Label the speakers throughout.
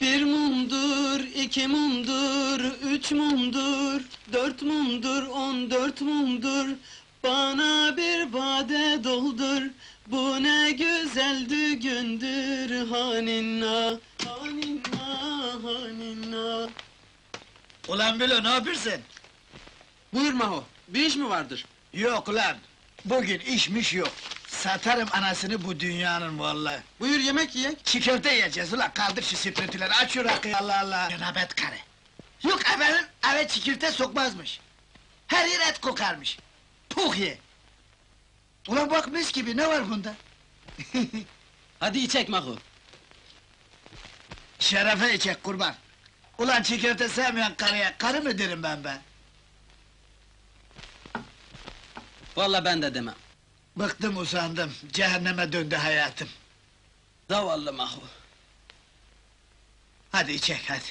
Speaker 1: Bir mumdur, iki mumdur, üç mumdur, dört mumdur, 14 mumdur. Bana bir bade doldur, bu ne güzel düğündür. Haninna, haninna, haninna.
Speaker 2: Ulan Bilo, ne yapıyorsun?
Speaker 1: Buyur Maho, bir iş mi vardır?
Speaker 2: Yok ulan, bugün işmiş yok. Satarım anasını bu dünyanın vallahi.
Speaker 1: Buyur yemek yiyek.
Speaker 2: Çiğ köfte yiyeceğiz ulan, kaldır şu sprintüleri, aç şu rakıyı, Allah Allah! Cenabet karı! Yok efendim, eve çiğ köfte sokmazmış. Her yer et kokarmış. Puh ye! Ulan bak mis gibi, ne var bunda?
Speaker 1: Hadi içek Maho.
Speaker 2: Şerefe içek kurban! Ulan çiğ köfte sevmeyen karıya, karı mı derim ben?
Speaker 1: Vallahi ben de demem.
Speaker 2: Bıktım usandım, cehenneme döndü hayatım.
Speaker 1: Zavallı Maho.
Speaker 2: Hadi içek hadi.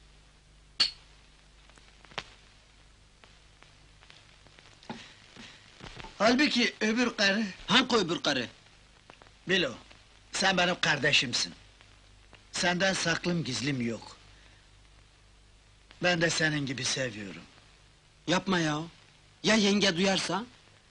Speaker 2: Halbuki öbür karı...
Speaker 1: Hangi öbür karı?
Speaker 2: Bilo, sen benim kardeşimsin. Senden saklım gizlim yok. Ben de senin gibi seviyorum.
Speaker 1: Yapma ya. Ya yenge duyarsa?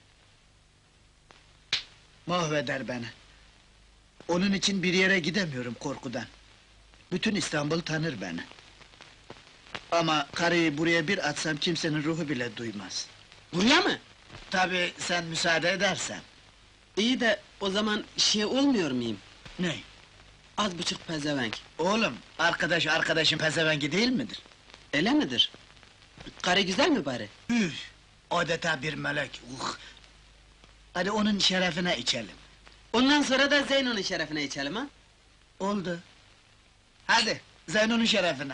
Speaker 2: Mahveder beni. Onun için bir yere gidemiyorum korkudan. Bütün İstanbul tanır beni. Ama karıyı buraya bir atsam kimsenin ruhu bile duymaz.
Speaker 1: Buraya mı?
Speaker 2: Tabii sen müsaade edersen.
Speaker 1: İyi de o zaman şey olmuyor muyum?
Speaker 2: Ne?
Speaker 1: Az buçuk pezevenk.
Speaker 2: Oğlum, arkadaş arkadaşın pezevengi değil midir?
Speaker 1: Öyle midir? Karı güzel mi bari?
Speaker 2: Üf! Adeta bir melek, Hadi onun şerefine içelim.
Speaker 1: Ondan sonra da Zeyno'nun şerefine içelim ha?
Speaker 2: Oldu. Hadi, Zeyno'nun şerefine.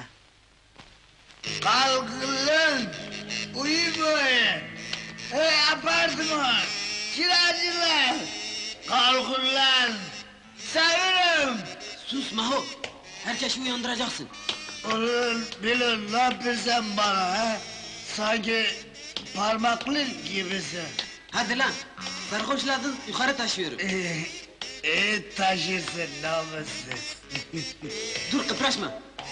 Speaker 2: Kalkın lan! Uyumayın! Hey apartman! Kiracılar! Kalkın lan! Sayırım!
Speaker 1: Sus Maho! Herkesi uyandıracaksın.
Speaker 2: Ulan bilin, ne yapıyorsun bana ha? Sanki parmaklı gibisin.
Speaker 1: Hadi lan! Sarhoşladın, yukarı taşıyorum.
Speaker 2: İyi taşırsın namussuz.
Speaker 1: Dur kıpraşma!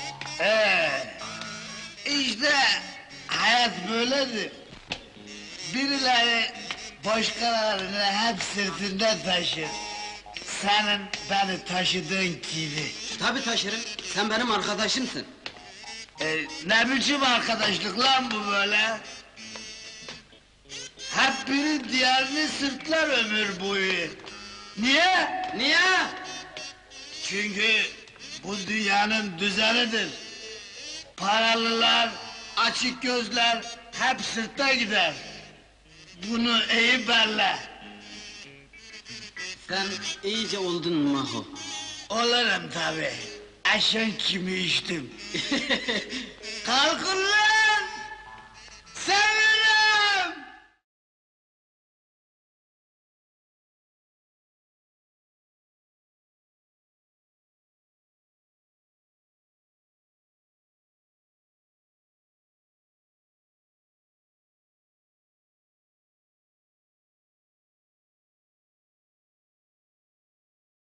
Speaker 2: İşte hayat böyledir. Birileri başkalarını hep sırtında taşır. Senin beni taşıdığın gibi.
Speaker 1: Tabii taşırım, sen benim arkadaşımsın.
Speaker 2: Ne biçim arkadaşlık lan bu böyle? Hep biri diğerini sırtlar ömür boyu. Niye?
Speaker 1: Niye?
Speaker 2: Çünkü bu dünyanın düzenidir. Paralılar, açık gözler hep sırtta gider. Bunu iyi belli.
Speaker 1: Sen iyice oldun Maho.
Speaker 2: Olurum tabi. Eşen kimi içtim. Kalkın lan!